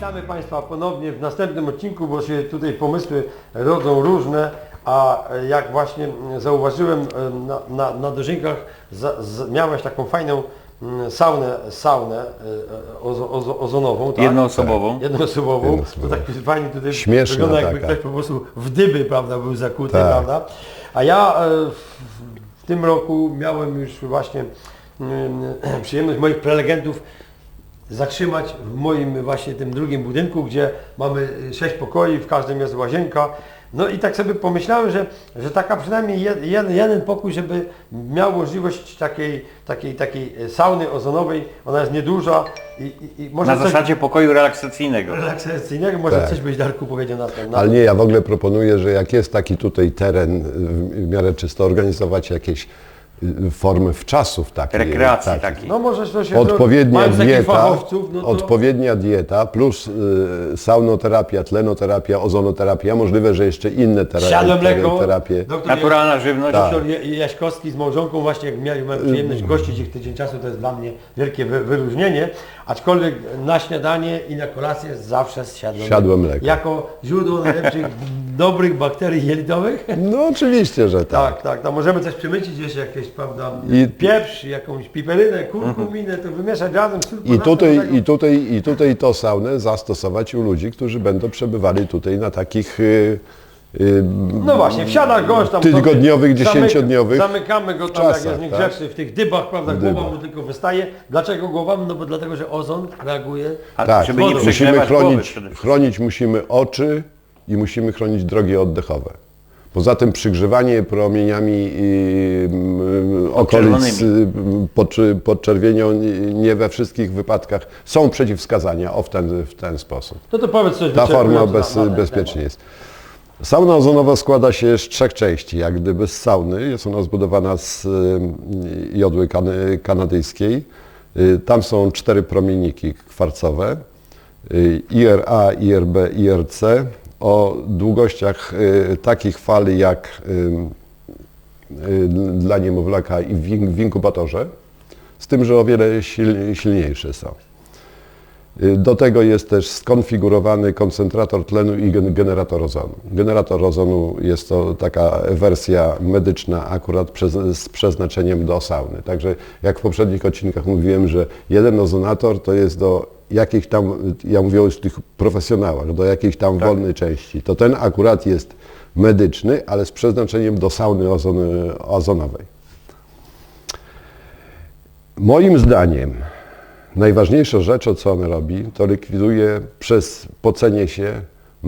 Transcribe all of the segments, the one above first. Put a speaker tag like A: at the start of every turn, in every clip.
A: Witamy Państwa ponownie w następnym odcinku, bo się tutaj pomysły rodzą różne, a jak właśnie zauważyłem na dożynkach miałeś taką fajną saunę ozonową, tak?
B: Jednoosobową.
A: Jednoosobową. To tak fajnie tutaj
C: śmieszna
A: wygląda, jakby
C: taka.
A: ktoś po prostu w dyby, prawda, był zakuty,
C: Tak.
A: prawda? A ja w tym roku miałem już właśnie przyjemność moich prelegentów zatrzymać w moim właśnie tym drugim budynku, gdzie mamy 6 pokoi, w każdym jest łazienka. No i tak sobie pomyślałem, że taka przynajmniej jeden pokój, żeby miał możliwość takiej sauny ozonowej, ona jest nieduża i może
B: Na zasadzie pokoju relaksacyjnego.
A: relaksacyjnego, może
C: Tak.
A: coś byś, Darku, powiedział na ten.
C: Ale nie, ja w ogóle proponuję, że jak jest taki tutaj teren w miarę czysto, organizować jakieś formy wczasów takiej.
B: Rekreacji
C: takich.
B: takiej.
A: No może to się
C: Odpowiednia
A: mając takich
C: dieta,
A: fachowców, no to...
C: odpowiednia dieta plus saunoterapia, tlenoterapia, ozonoterapia, możliwe, że jeszcze inne
A: Siadłe mleko,
C: terapie.
A: doktor
B: Naturalna żywność.
A: Doktor Jaśkowski z małżonką właśnie jak miałem przyjemność gościć ich tydzień czasu, to jest dla mnie wielkie wyróżnienie, aczkolwiek na śniadanie i na kolację zawsze
C: Siadłe mleko.
A: Jako źródło najlepszych dobrych bakterii jelitowych.
C: No oczywiście, że tak.
A: Tak, to możemy coś przemycić jeszcze jakieś, prawda,
C: I-
A: pieprz, jakąś piperynę, kurkuminę, to wymieszać razem.
C: I tutaj to saunę zastosować u ludzi, którzy będą przebywali tutaj na takich
A: No właśnie, wsiada gość tam
C: tygodniowych,
A: sobie,
C: 10-dniowych
A: zamykamy go tam, jak
C: czasach,
A: jest niegrzeczny, w tych dybach, prawda, głowa mu tylko wystaje. Dlaczego głowa? No bo dlatego, że ozon reaguje.
B: A
C: Tak,
B: żeby nie
A: wodą.
C: musimy
B: przegrzewać głowy
C: chronić,
B: przede wszystkim.
C: chronić musimy oczy i musimy chronić drogi oddechowe. Poza tym przygrzewanie promieniami okolic podczerwienią nie we wszystkich wypadkach są przeciwwskazania w ten sposób.
A: No to powiedz coś
C: Ta forma
A: wyczerpująco na ten
C: bezpiecznie
A: temat.
C: jest. Sauna ozonowa składa się z 3 części. Jak gdyby z sauny. Jest ona zbudowana z jodły kanadyjskiej. Tam są 4 promienniki kwarcowe. IRA, IRB, IRC o długościach takich fali jak dla niemowlaka i w inkubatorze, z tym, że o wiele silniejsze są. Do tego jest też skonfigurowany koncentrator tlenu i generator ozonu. Generator ozonu jest to taka wersja medyczna akurat z przeznaczeniem do sauny. Także jak w poprzednich odcinkach mówiłem, że jeden ozonator to jest do jakichś tam, ja mówię o tych profesjonałach, do jakiejś tam wolnej części. To ten akurat jest medyczny, ale z przeznaczeniem do sauny ozonowej. Moim zdaniem najważniejsza rzecz, co on robi, to likwiduje przez pocenie się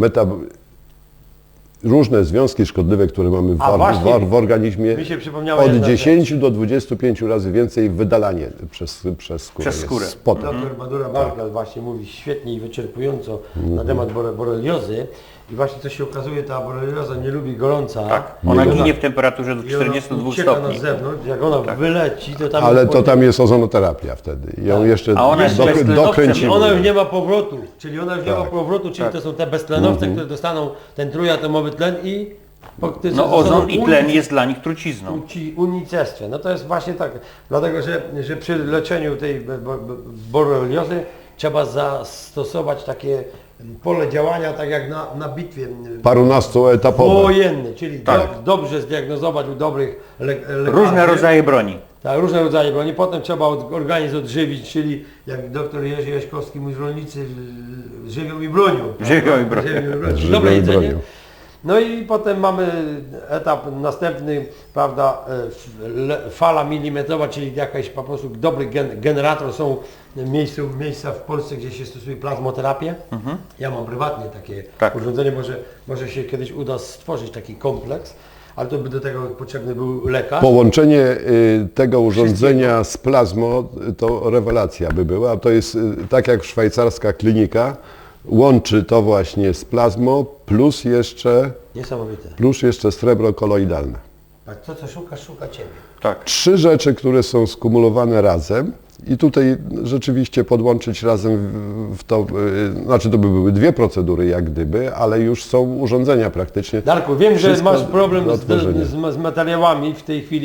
C: różne związki szkodliwe, które mamy w organizmie.
A: Mi się przypomniała
C: Od
A: jedna
C: 10 do 25 razy więcej wydalanie przez skórę.
B: Przez skórę.
C: Jest spotem.
A: Doktor Madura Bargal właśnie mówi świetnie i wyczerpująco na temat boreliozy i właśnie co się okazuje, ta borelioza nie lubi gorąca.
B: Tak, ona ginie w temperaturze do
A: i ona
B: 42
A: ucieka
B: stopni.
A: na zewnątrz, jak ona wyleci, to tam
C: Ale
A: jest
C: to tam jest ozonoterapia wtedy. I ją jeszcze
B: A ona jest
C: dokręcimy.
A: Ona już nie ma powrotu, czyli to są te beztlenowce, które dostaną ten trójatomowy tlen i
B: No ozon i tlen jest dla nich trucizną.
A: unicestwie. No to jest właśnie tak, dlatego że przy leczeniu tej boreliozy trzeba zastosować takie pole działania, tak jak na bitwie
C: Parunastoetapowe.
A: wojennej, czyli dobrze zdiagnozować u dobrych lekarzy.
B: Różne rodzaje broni.
A: Tak, różne rodzaje broni. Potem trzeba organizm odżywić, czyli jak doktor Jerzy Jaśkowski mówi, rolnicy żywią i bronią.
B: Żywią i bronią.
C: Żywią
A: Dobre
C: i
A: jedzenie.
C: bronią.
A: No i potem mamy etap następny, prawda, fala milimetrowa, czyli jakaś po prostu dobry generator. Są miejsca w Polsce, gdzie się stosuje plazmoterapię. Ja mam prywatnie takie urządzenie, może się kiedyś uda stworzyć taki kompleks, ale to by do tego potrzebny był lekarz.
C: Połączenie tego urządzenia z plazmą to rewelacja by była. To jest tak jak szwajcarska klinika, łączy to właśnie z plazmą plus jeszcze srebro koloidalne.
A: A to co szukasz, szuka Ciebie.
B: Tak.
C: 3 rzeczy, które są skumulowane razem i tutaj rzeczywiście podłączyć razem w to, znaczy to by były 2 procedury jak gdyby, ale już są urządzenia praktycznie.
A: Darku, wiem, że
C: Wszystko
A: masz problem
C: do odtworzenia.
A: z materiałami w tej chwili,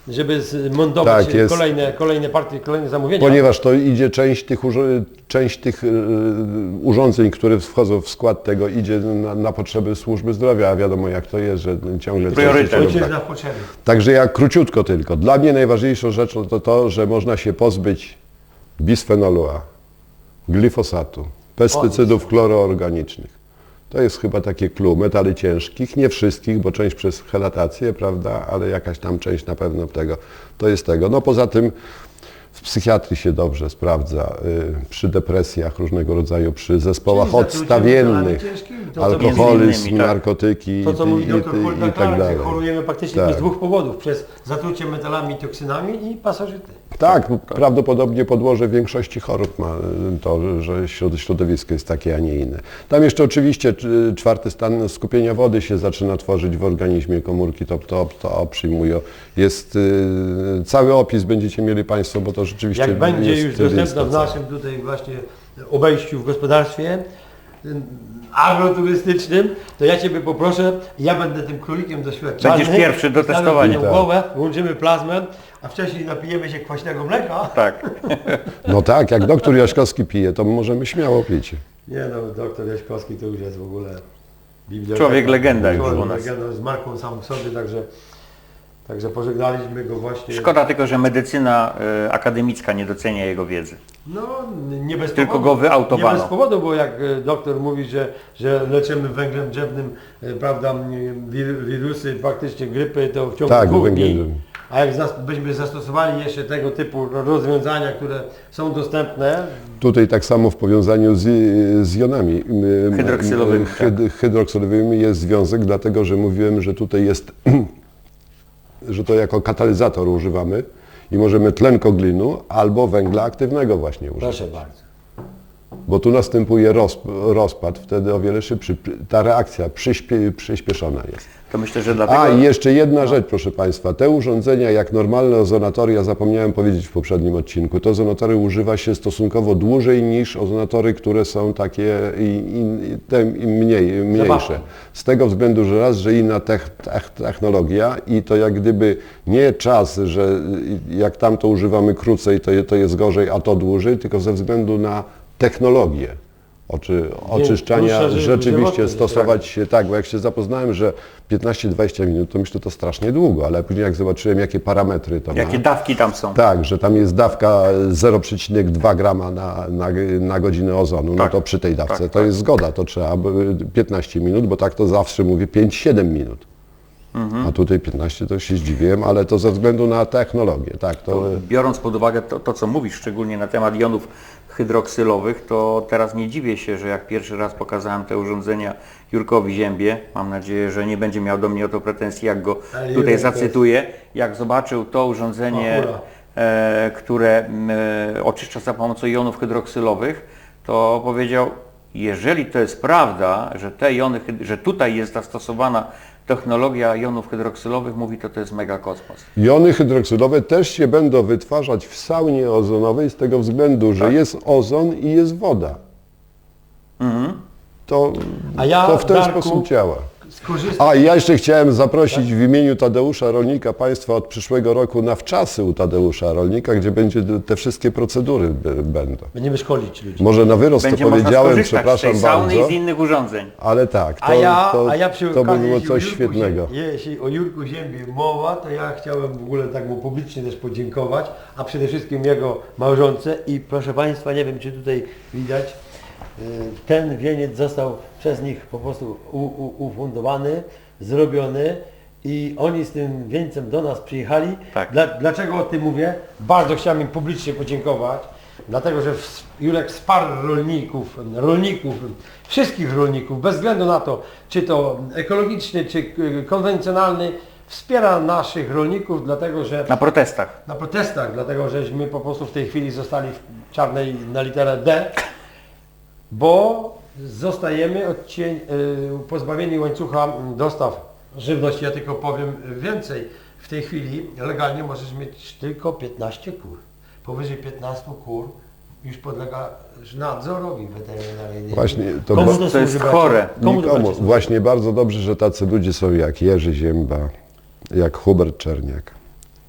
A: żeby zmontować
C: Tak, jest.
A: kolejne partie, kolejne zamówienia.
C: Ponieważ to idzie część tych urządzeń, które wchodzą w skład tego, idzie na potrzeby służby zdrowia, a wiadomo jak to jest, że ciągle...
B: Priorytet.
C: coś się
A: Ojciec
C: robi.
A: na potrzeby.
C: Także ja króciutko tylko. Dla mnie najważniejszą rzeczą to to, że można się pozbyć bisfenolu A, glifosatu, pestycydów chloroorganicznych. To jest chyba takie clue. Metali ciężkich, nie wszystkich, bo część przez helatację, prawda, ale jakaś tam część na pewno tego. To jest tego. No poza tym w psychiatrii się dobrze sprawdza, przy depresjach różnego rodzaju, przy zespołach
A: Czyli zatrucie
C: odstawiennych,
A: metalami ciężkimi, to, co
B: między
C: alkoholizm,
B: innymi, tak.
C: narkotyki
A: To co mówi dr
C: i
A: Holda
C: tak
A: Clark, że
C: dalej.
A: chorujemy praktycznie
C: Tak.
A: z dwóch powodów. Przez zatrucie metalami i toksynami i pasożyty.
C: Tak, prawdopodobnie podłoże większości chorób ma to, że środowisko jest takie, a nie inne. Tam jeszcze oczywiście czwarty stan skupienia wody się zaczyna tworzyć w organizmie, komórki to przyjmują. Jest cały opis będziecie mieli Państwo, bo to rzeczywiście
A: Jak będzie
C: jest
A: już dostępna w
C: lista cała.
A: naszym tutaj właśnie obejściu w gospodarstwie agroturystycznym, to ja Ciebie poproszę, ja będę tym królikiem doświadczalnym.
B: Będziesz pierwszy do
A: Wstawię
B: testowania.
A: moją głowę, włączymy plazmę, a wcześniej napijemy się kwaśnego mleka.
B: Tak.
C: No tak, jak doktor Jaśkowski pije, to możemy śmiało pić.
A: Nie no, doktor Jaśkowski to już jest w ogóle biblioteka.
B: Człowiek legenda już
A: Człowiek
B: u nas.
A: legenda z marką sam w sobie, także pożegnaliśmy go właśnie.
B: Szkoda tylko, że medycyna akademicka nie docenia jego wiedzy.
A: No, nie bez
B: Tylko
A: powodu.
B: go wyautowano.
A: Nie bez powodu, bo jak doktor mówi, że leczymy węglem drzewnym, prawda, wirusy, faktycznie grypy, to w ciągu
C: Tak,
A: 2
C: węgiel
A: dni.
C: drzewny.
A: A jak byśmy zastosowali jeszcze tego typu rozwiązania, które są dostępne,
C: Tutaj tak samo w powiązaniu z jonami
B: Hydroksylowymi,
C: hydroksylowymi jest związek, dlatego że mówiłem, że tutaj jest, że to jako katalizator używamy i możemy tlenkoglinu albo węgla aktywnego właśnie używać.
A: proszę bardzo.
C: Bo tu następuje rozpad, wtedy o wiele szybszy. Ta reakcja przyspieszona jest.
B: To myślę, że dlatego...
C: A i jeszcze jedna rzecz, proszę Państwa. Te urządzenia, jak normalne ozonatory, ja zapomniałem powiedzieć w poprzednim odcinku, to ozonatory używa się stosunkowo dłużej niż ozonatory, które są takie te mniejsze.
A: Zabawki.
C: Z tego względu, że raz, że inna technologia i to jak gdyby nie czas, że jak tamto używamy krócej, to jest gorzej, a to dłużej, tylko ze względu na technologię. Oczyszczania
A: krótsza
C: rzeczywiście
A: żywotność,
C: stosować się tak, bo jak się zapoznałem, że 15-20 minut, to myślę, to strasznie długo, ale później jak zobaczyłem, jakie parametry to
B: Jakie
C: ma.
B: dawki tam są.
C: Tak, że tam jest dawka 0,2 grama na godzinę ozonu, no
B: Tak,
C: to przy tej dawce
B: tak,
C: to
B: tak.
C: jest zgoda, to trzeba 15 minut, bo tak to zawsze mówię 5-7 minut. A tutaj 15 to się zdziwiłem, ale to ze względu na technologię, tak, to
B: Biorąc pod uwagę to, co mówisz, szczególnie na temat jonów hydroksylowych, to teraz nie dziwię się, że jak pierwszy raz pokazałem te urządzenia Jurkowi Ziębie, mam nadzieję, że nie będzie miał do mnie o to pretensji, jak go
A: Ale
B: tutaj
A: Jurek
B: zacytuję, jak zobaczył to urządzenie,
A: Machura.
B: które oczyszcza za pomocą jonów hydroksylowych, to powiedział, jeżeli to jest prawda, że te jony, że tutaj jest zastosowana technologia jonów hydroksylowych, mówi to jest mega kosmos.
C: jony hydroksylowe też się będą wytwarzać w saunie ozonowej z tego względu, że jest ozon i jest woda.
A: A ja,
C: To w ten
A: Darku,
C: sposób działa.
A: skorzystam.
C: A i ja jeszcze chciałem zaprosić w imieniu Tadeusza Rolnika Państwa od przyszłego roku na wczasy u Tadeusza Rolnika, gdzie będzie te wszystkie procedury będą.
A: Będziemy szkolić ludzi.
C: Może na wyrost
B: Będzie
C: to
B: można
C: powiedziałem,
B: skorzystać z
C: przepraszam
B: tej sauny
C: bardzo,
B: i z innych urządzeń.
C: ale tak,
A: A ja przy
C: to by
A: okazji,
C: było
A: jeśli
C: coś
A: o Jurku
C: świetnego.
A: Jeśli o Jurku Ziębie mowa, to ja chciałem w ogóle tak mu publicznie też podziękować, a przede wszystkim jego małżonce i proszę Państwa, nie wiem czy tutaj widać, ten wieniec został przez nich po prostu ufundowany, zrobiony i oni z tym wieńcem do nas przyjechali.
B: Tak.
A: Dlaczego o tym mówię? Bardzo chciałem im publicznie podziękować, dlatego że Jurek wsparł rolników, wszystkich rolników, bez względu na to, czy to ekologiczny, czy konwencjonalny, wspiera naszych rolników, dlatego że
B: Na protestach.
A: na protestach, dlatego żeśmy po prostu w tej chwili zostali w czarnej na literę D, bo zostajemy pozbawieni łańcucha dostaw żywności. Ja tylko powiem więcej. W tej chwili legalnie możesz mieć tylko 15 kur. Powyżej 15 kur już podlega nadzorowi weterynaryjnemu.
C: Właśnie, to
A: Komu
C: ba-
B: to jest
A: służy, bracie?
B: chore.
A: Komu to
C: Nikomu.
A: bracie?
C: Właśnie bardzo dobrze, że tacy ludzie są jak Jerzy Zięba, jak Hubert Czerniak,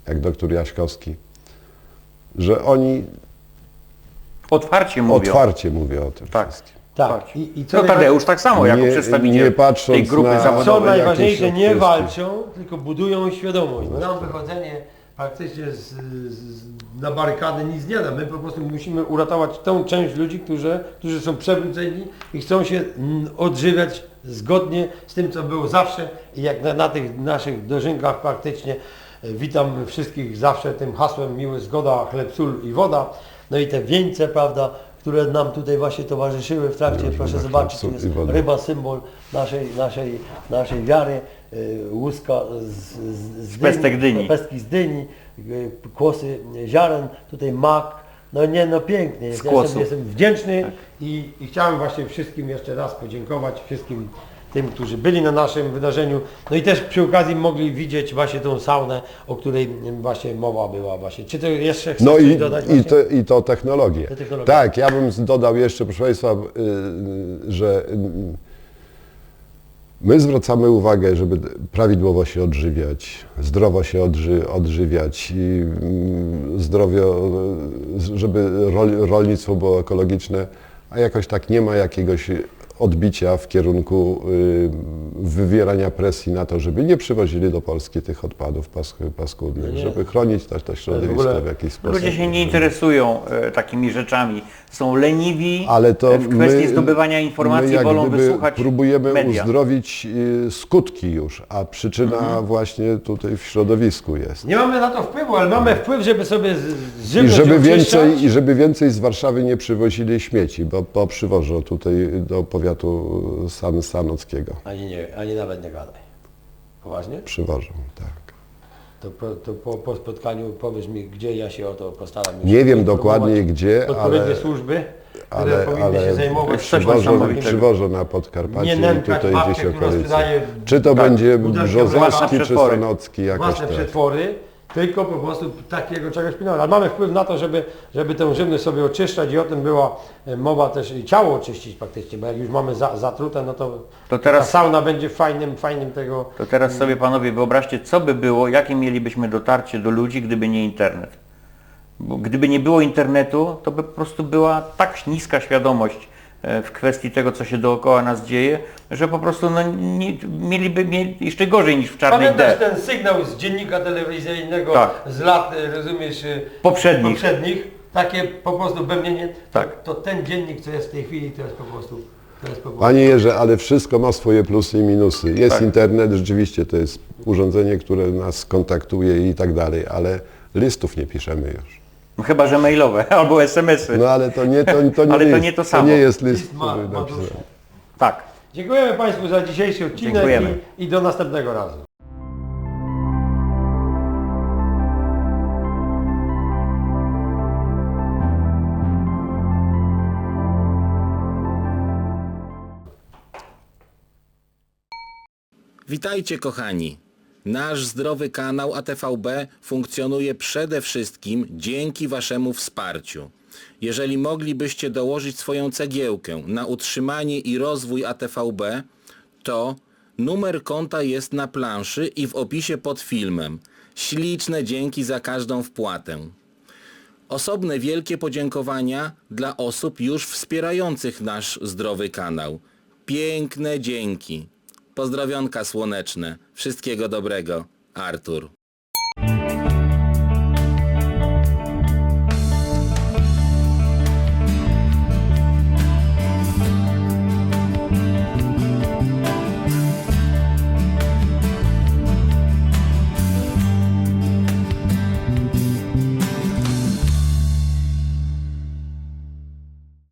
C: jak doktor Jaśkowski, że oni
B: Otwarcie mówią.
C: otwarcie mówią o tym
B: Tak.
C: wszystkim.
A: Tak. I co
B: No Tadeusz tak samo, jako
C: Nie-
B: przedstawiciel
C: nie patrząc
B: tej grupy
C: na-
A: Co
B: zawodowej.
A: najważniejsze,
C: jakieś
A: nie
C: kwestie.
A: walczą, tylko budują świadomość. Bo nam wychodzenie praktycznie na barykady nic nie da. My po prostu musimy uratować tą część ludzi, którzy są przebudzeni i chcą się odżywiać zgodnie z tym, co było zawsze. I jak na tych naszych dożynkach praktycznie witam wszystkich zawsze tym hasłem miły zgoda, chleb, sól i woda. No i te wieńce, prawda, które nam tutaj właśnie towarzyszyły w trakcie, proszę
C: chleb,
A: zobaczyć, tu
C: sól
A: jest
C: i woda.
A: ryba, symbol naszej wiary, łuska z
B: pestek dyni.
A: pestki z dyni, kłosy ziaren, tutaj mak, no pięknie,
B: Z kłosów.
A: jestem wdzięczny i chciałem właśnie wszystkim jeszcze raz podziękować, wszystkim tym, którzy byli na naszym wydarzeniu, no i też przy okazji mogli widzieć właśnie tą saunę, o której właśnie mowa była właśnie. Czy to jeszcze chcesz
C: No
A: coś dodać właśnie?
C: i to technologie.
A: Te technologie.
C: Tak, ja bym dodał jeszcze, proszę Państwa, że my zwracamy uwagę, żeby prawidłowo się odżywiać, zdrowo się odżywiać i żeby rolnictwo było ekologiczne, a jakoś tak nie ma jakiegoś odbicia w kierunku wywierania presji na to, żeby nie przywozili do Polski tych odpadów paskudnych,
A: No nie.
C: żeby chronić też to środowisko
A: ogóle
C: w jakiś sposób.
B: Ludzie się nie interesują takimi rzeczami. Są leniwi
C: Ale to
B: w kwestii zdobywania informacji,
C: my jak
B: wolą
C: gdyby
B: wysłuchać
C: próbujemy
B: media.
C: uzdrowić skutki już, a przyczyna właśnie tutaj w środowisku jest.
A: Nie mamy na to wpływu, ale mamy wpływ, żeby sobie
C: I
A: żywność oczyszczać.
C: żeby więcej z Warszawy nie przywozili śmieci, bo przywożą tutaj do powiatu sanockiego.
A: Ani nawet nie gadaj. Poważnie?
C: Przywożą, tak.
A: To po spotkaniu powiesz mi, gdzie ja się o to postaram. już
C: Nie wiem
A: informować
C: dokładnie gdzie,
A: odpowiednie służby, które powinny się zajmować
B: coś
A: niesamowitego.
C: przywożą na Podkarpacie
A: Nie
C: i
A: nękać
C: tutaj
A: babkę,
C: gdzieś
A: która
C: okolicy.
A: sprzedaje
C: Czy to
A: tak,
C: będzie
A: butelki
C: Brzozowski,
B: własne
C: czy
B: przetwory.
C: Sanocki, jakoś
A: własne
C: tak.
A: przetwory, tylko po prostu takiego czegoś pilnować. Ale mamy wpływ na to, żeby tę żywność sobie oczyszczać i o tym była mowa też i ciało oczyścić praktycznie, bo jak już mamy zatrute, no to
B: teraz-
A: ta sauna będzie fajnym tego.
B: To teraz sobie panowie wyobraźcie, co by było, jakie mielibyśmy dotarcie do ludzi, gdyby nie internet. Bo gdyby nie było internetu, to by po prostu była tak niska świadomość w kwestii tego, co się dookoła nas dzieje, że po prostu mieliby jeszcze gorzej niż w czarnej
A: Pamiętasz
B: D.
A: ten sygnał z dziennika telewizyjnego
B: Tak.
A: z lat, rozumiesz,
B: Poprzednich.
A: takie po prostu bębnienie,
B: Tak.
A: to ten dziennik, co jest w tej chwili, to jest po prostu.
C: Panie Jerzy, ale wszystko ma swoje plusy i minusy. Jest
B: Tak.
C: internet, rzeczywiście to jest urządzenie, które nas kontaktuje i tak dalej, ale listów nie piszemy już.
B: No chyba że mailowe albo SMS-y.
C: No ale to nie
B: Ale to
C: jest,
B: nie to samo.
C: nie jest list,
A: List ma
C: który
A: duszę.
C: napisałem.
B: Tak.
A: Dziękujemy Państwu za dzisiejszy odcinek
B: Dziękujemy.
A: i do następnego razu.
D: Witajcie kochani! Nasz zdrowy kanał ATVB funkcjonuje przede wszystkim dzięki Waszemu wsparciu. Jeżeli moglibyście dołożyć swoją cegiełkę na utrzymanie i rozwój ATVB, to numer konta jest na planszy i w opisie pod filmem. Śliczne dzięki za każdą wpłatę. Osobne wielkie podziękowania dla osób już wspierających nasz zdrowy kanał. Piękne dzięki. Pozdrowionka słoneczne. Wszystkiego dobrego. Artur.